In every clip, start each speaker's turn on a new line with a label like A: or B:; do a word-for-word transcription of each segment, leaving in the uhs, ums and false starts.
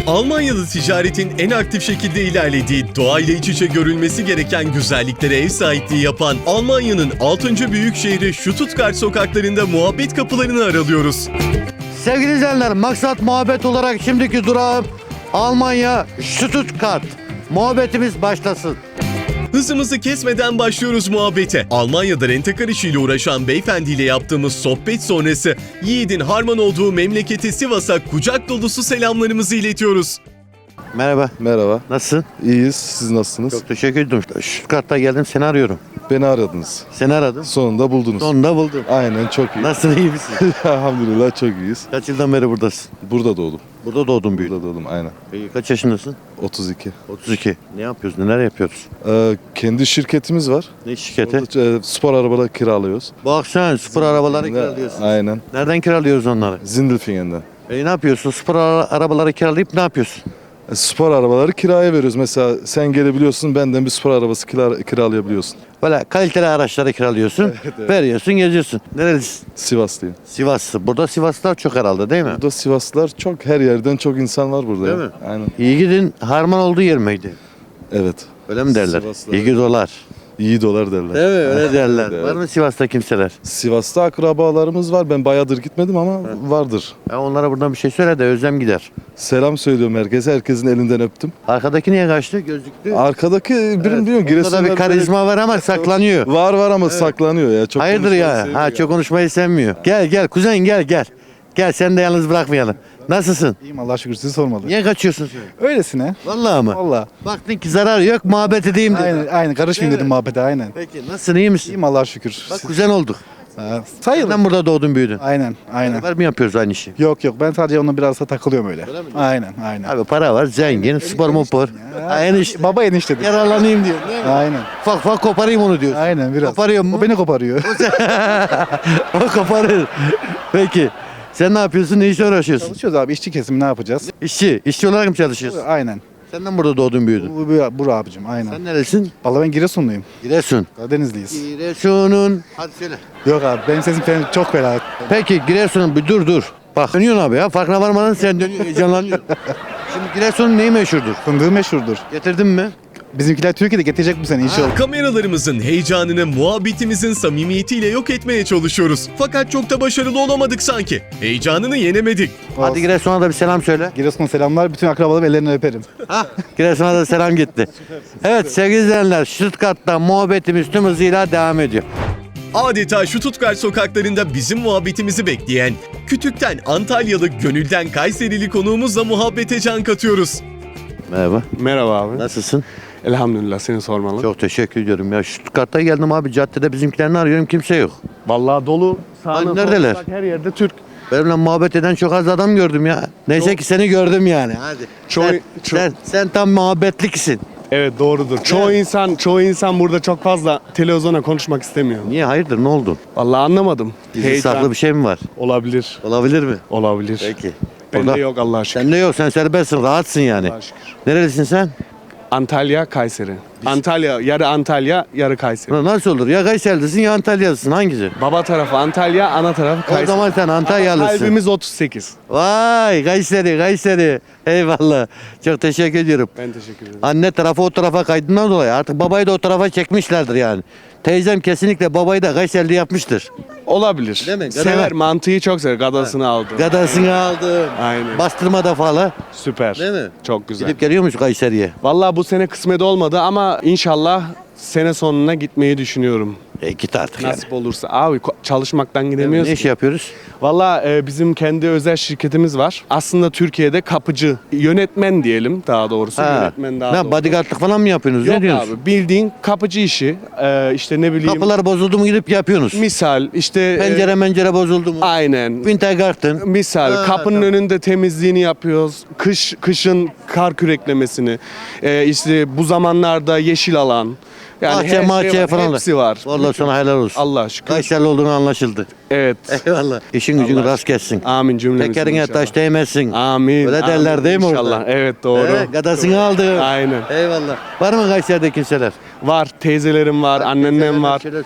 A: Almanya'da ticaretin en aktif şekilde ilerlediği, doğayla iç içe görülmesi gereken güzelliklere ev sahipliği yapan Almanya'nın altıncı büyük şehri Stuttgart sokaklarında muhabbet kapılarını aralıyoruz.
B: Sevgili izleyenler, maksat muhabbet olarak şimdiki durağım Almanya Stuttgart. Muhabbetimiz başlasın.
A: Hızımızı kesmeden başlıyoruz muhabbete. Almanya'da rentekar işiyle uğraşan beyefendiyle yaptığımız sohbet sonrası Yiğit'in harman olduğu memleketi Sivas'a kucak dolusu selamlarımızı iletiyoruz.
B: Merhaba.
C: Merhaba.
B: Nasılsın?
C: İyiyiz. Siz nasılsınız?
B: Çok teşekkür ederim. Stuttgart'ta geldim, seni arıyorum.
C: Beni aradınız.
B: Seni aradım.
C: Sonunda buldunuz.
B: Sonunda buldum.
C: Aynen, çok iyi.
B: Nasılsın, iyi misin?
C: Elhamdülillah çok iyiyiz.
B: Kaç yıldan beri buradasın?
C: Burada doğdum.
B: Burada doğdun, büyüdün.
C: Burada doğdum aynen.
B: Peki kaç yaşındasın?
C: otuz iki.
B: otuz iki. Ne yapıyoruz, neler yapıyoruz?
C: Ee, kendi şirketimiz var.
B: Ne şirketi?
C: Orada, e, spor arabaları kiralıyoruz.
B: Bak sen spor arabaları kiralıyorsun.
C: Aynen.
B: Nereden kiralıyoruz onları?
C: Zindelfingen'den.
B: E ne yapıyorsun? Spor ara- arabaları kiralayıp ne yapıyorsun?
C: E, spor arabaları kiraya veriyoruz. Mesela sen gelebiliyorsun, benden bir spor arabası kira, kiralayabiliyorsun.
B: Böyle kaliteli araçları kiralıyorsun,
C: evet.
B: veriyorsun, geziyorsun. Nerelisin?
C: Sivaslıyım.
B: Sivaslı. Burada Sivaslılar çok herhalde, değil mi?
C: Burada Sivaslılar çok, her yerden çok insan var burada.
B: Değil
C: ya.
B: mi?
C: Aynen.
B: Yiğidin harman olduğu yer miydi?
C: Evet.
B: Öyle mi derler?
C: Sivaslılar.
B: İyi dolar.
C: İyi dolar derler.
B: Değil mi? Öyle derler.
C: Evet.
B: Var mı Sivas'ta kimseler?
C: Sivas'ta akrabalarımız var. Ben bayağıdır gitmedim ama vardır.
B: Ya onlara buradan bir şey söyle de özlem gider.
C: Selam söylüyorum herkese. Herkesin elinden öptüm.
B: Arkadaki niye kaçtı? Gözlüklü.
C: Arkadaki birim bilmiyorum.
B: Onda da
C: Giresunlar
B: bir karizma var ama saklanıyor.
C: Var var ama saklanıyor ya. Çok
B: Hayırdır
C: konuşmayı
B: ya?
C: sevmiyor.
B: Ha çok konuşmayı sevmiyor. Gel gel kuzen gel gel. Gel sen de yalnız bırakmayalım. Nasılsın?
D: İyiyim Allah'a şükür, sizi sormalı.
B: Niye kaçıyorsun sen?
D: Öylesine.
B: Vallahi mı?
D: Valla.
B: Baktın ki zarar yok, muhabbet edeyim dedin.
D: Aynen, aynen karışmayayım
B: Değil
D: dedim
B: mi?
D: muhabbete, aynen.
B: Peki nasılsın, iyi misin?
D: İyiyim Allah'a şükür.
B: Bak kuzen olduk.
D: Ha, sayılır.
B: Neden burada doğdun büyüdün?
D: Aynen, aynen.
B: Beraber mi yapıyoruz aynı işi?
D: Yok yok, ben sadece onunla biraz da takılıyorum öyle. Aynen, aynen.
B: Abi para var, zengin, spor mupor. Aynı iş.
D: Baba enişte diyor.
B: Yararlanayım diyor. Değil mi?
D: Aynen,
B: Ufak ufak koparayım onu diyor.
D: aynen biraz.
B: Koparıyor mu?
D: O beni koparıyor.
B: O koparır. Peki. Sen ne yapıyorsun? Ne işle uğraşıyorsun?
D: Çalışıyoruz abi, işçi kesimi ne yapacağız?
B: İşçi. İşçi olarak mı çalışıyorsun?
D: Aynen.
B: Senden burada doğdun büyüdün.
D: Bu, bu, bu abicim, aynen.
B: Sen nerelisin?
D: Vallahi ben Giresunluyum.
B: Giresun.
D: Karadenizliyiz.
B: Giresun'un. Hadi söyle.
D: Yok abi, benim sesim falan çok fena.
B: Peki Giresun'un bir dur dur. Bak dönüyorsun abi ya. Farkına varmadan sen dönüyorsun. Heyecanlanıyorsun. Şimdi Giresun'un neyi meşhurdur?
D: Fındığı meşhurdur.
B: Getirdin mi?
D: Bizimkiler Türkiye'de getirecek bu sene inşallah.
A: Kameralarımızın heyecanını muhabbetimizin samimiyetiyle yok etmeye çalışıyoruz. Fakat çok da başarılı olamadık sanki. Heyecanını yenemedik.
B: Hadi Giresun'a da bir selam söyle.
D: Giresun'a selamlar, bütün akrabalarım ellerinden öperim.
B: Hah, Giresun'a da selam gitti. Evet sevgili izleyenler, Stuttgart'ta muhabbetimiz tüm hızıyla devam ediyor.
A: Adeta Stuttgart sokaklarında bizim muhabbetimizi bekleyen, Kütük'ten Antalyalı, gönülden Kayserili konuğumuzla muhabbete can katıyoruz.
B: Merhaba.
E: Merhaba abi.
B: Nasılsın?
E: Elhamdülillah, seni sormalı.
B: Çok teşekkür ediyorum ya. Stuttgart'ta geldim abi, caddede bizimkilerini arıyorum, kimse yok.
E: Vallahi dolu. Sağına
B: Hani neredeler?
E: soluna bak, her yerde Türk.
B: Benimle muhabbet eden çok az adam gördüm ya. Neyse
E: Çok-
B: ki seni gördüm yani. Hadi.
E: Çoğu-
B: sen,
E: çok-
B: sen, sen tam muhabbetliksin.
E: Evet, doğrudur. Çoğu insan çoğu insan burada çok fazla televizyona konuşmak istemiyor.
B: Niye, hayırdır, ne oldu?
E: Vallahi anlamadım.
B: Gizli saklı bir şey mi var?
E: olabilir.
B: Olabilir mi?
E: Olabilir.
B: Peki.
E: Bende
B: Orada-
E: yok Allah'a şükür.
B: Sende yok, sen serbestsin, rahatsın yani.
E: Allah'a şükür.
B: Nerelisin sen?
E: Antalya, Kayseri. Antalya, yarı Antalya, yarı Kayseri.
B: Ulan nasıl olur? Ya Kayseri'lisin ya Antalya'lısın, hangisi?
E: Baba tarafı Antalya, ana tarafı Kayseri.
B: O zaman sen
E: Ama
B: Antalyalısın.
E: kalbimiz otuz sekiz.
B: Vay Kayseri, Kayseri. Eyvallah. Çok teşekkür ediyorum.
E: Ben teşekkür ederim.
B: Anne tarafı o tarafa kaydından dolayı artık babayı da o tarafa çekmişlerdir yani. Teyzem kesinlikle babayı da Kayserili yapmıştır.
E: Olabilir.
B: Değil mi?
E: Sever,
B: Gadalar.
E: mantıyı çok sever. Gadasını aldı.
B: Gadasını aldım.
E: Aynen.
B: Bastırma da falan.
E: Süper.
B: Değil mi?
E: Çok güzel.
B: Gidip geliyor musun Kayseri'ye?
E: Vallahi bu sene kısmet olmadı ama inşallah sene sonuna gitmeyi düşünüyorum.
B: E git artık yani.
E: Nasip olursa. Abi ko- çalışmaktan gidemiyoruz.
B: Ne iş
E: ki.
B: yapıyoruz?
E: Vallahi e, bizim kendi özel şirketimiz var. Aslında Türkiye'de kapıcı, yönetmen diyelim daha doğrusu.
B: Ha.
E: Yönetmen daha
B: Ne
E: doğru.
B: bodyguardlık falan mı yapıyorsunuz?
E: Yok
B: ne diyorsunuz?
E: abi, bildiğin kapıcı işi. E, işte ne bileyim.
B: Kapılar bozuldu mu gidip yapıyorsunuz.
E: Misal işte. e,
B: Pencere mencere bozuldu mu?
E: aynen.
B: Wintergarten.
E: Misal
B: Ha,
E: kapının
B: tamam.
E: önünde temizliğini yapıyoruz. Kış kışın kar küreklemesini. E, işte bu zamanlarda yeşil alan. Yani
B: Bahçe,
E: her şey
B: mahçe
E: var,
B: falan da.
E: hepsi var.
B: Vallahi sana helal olsun.
E: Allah'a şükür.
B: Kayseri olduğunu anlaşıldı.
E: Evet.
B: Eyvallah. İşin gücün
E: Allah
B: rast gelsin.
E: Amin cümlemizin
B: Tekerine
E: inşallah.
B: taş değmesin.
E: Amin.
B: Öyle derler
E: amin,
B: değil mi orada?
E: İnşallah. Evet doğru.
B: He, gadasını aldı.
E: Aynen.
B: Eyvallah. Var mı Kayseri'de kimseler?
E: Var teyzelerim var, anneannem var.
B: Söyle söyle.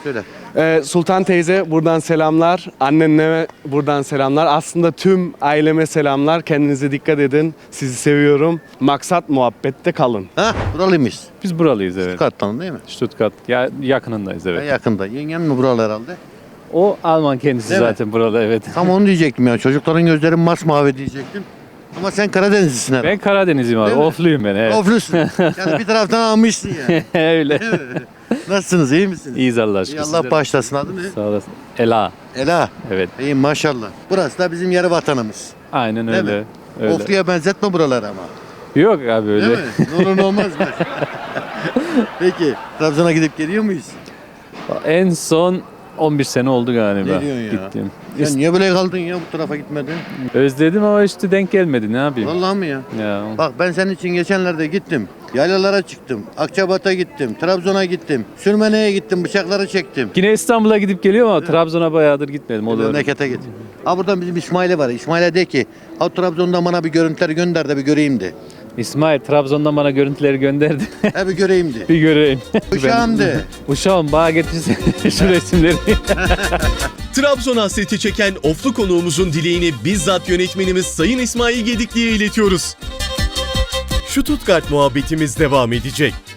E: Ee, Sultan teyze buradan selamlar. Annenle buradan selamlar. Aslında tüm aileme selamlar. Kendinize dikkat edin. Sizi seviyorum. Maksat muhabbette kalın.
B: Ha buralıymış.
F: Biz buralıyız evet.
B: Stuttgart'tan değil mi?
F: Stuttgart ya yakınındayız
B: Ha,
F: evet.
B: yakında. Yengem mi buralı herhalde?
F: O Alman kendisi
B: Değil mi?
F: zaten buralı evet.
B: Tam onu diyecektim ya. Çocukların gözleri masmavi diyecektim. Ama sen Karadenizlisin herhalde.
F: Ben Karadenizliyim abi.
B: Değil mi?
F: Ofluyum ben evet.
B: Oflusun. Yani bir taraftan almışsın yani.
F: Öyle.
B: Değil mi? Nasılsınız? İyi misiniz?
F: İyiyiz Allah
B: İyi,
F: aşkına.
B: Allah
F: Sizler-
B: bağışlasın. Adı ne?
F: Sağ olasın. Ela.
B: Ela.
F: Evet.
B: İyi maşallah. Burası da bizim yarı vatanımız.
F: Aynen
B: Değil
F: öyle.
B: mi?
F: Öyle.
B: Oflu'ya benzetme buraları ama.
F: Yok abi öyle.
B: Değil mi? Ne olur ne olmaz mı? Peki. Trabzon'a gidip geliyor muyuz?
F: En son on bir sene oldu galiba.
B: Ne diyorsun ya?
F: Gittim.
B: Sen niye böyle kaldın ya bu tarafa gitmedin?
F: Özledim ama işte denk gelmedi ne yapayım.
B: Vallahi mi ya?
F: Ya.
B: Bak ben senin için geçenlerde gittim. Yaylalara çıktım. Akçabat'a gittim. Trabzon'a gittim. Sürmene'ye gittim. Bıçakları çektim.
F: Yine İstanbul'a gidip geliyorum ama Trabzon'a bayağıdır gitmedim. O da öyle.
B: Memlekete git. Ha buradan bizim İsmail'e var. İsmail'e de ki ha Trabzon'dan bana bir görüntüler gönder de bir göreyim de.
F: İsmail Trabzon'dan bana görüntüleri gönderdi.
B: He bir göreyim de.
F: Bir göreyim.
B: Uşağım de.
F: Uşağım bana getirsin şu resimleri.
A: Trabzon hasreti çeken Oflu konuğumuzun dileğini bizzat yönetmenimiz Sayın İsmail Gedikli'ye iletiyoruz. Stuttgart muhabbetimiz devam edecek.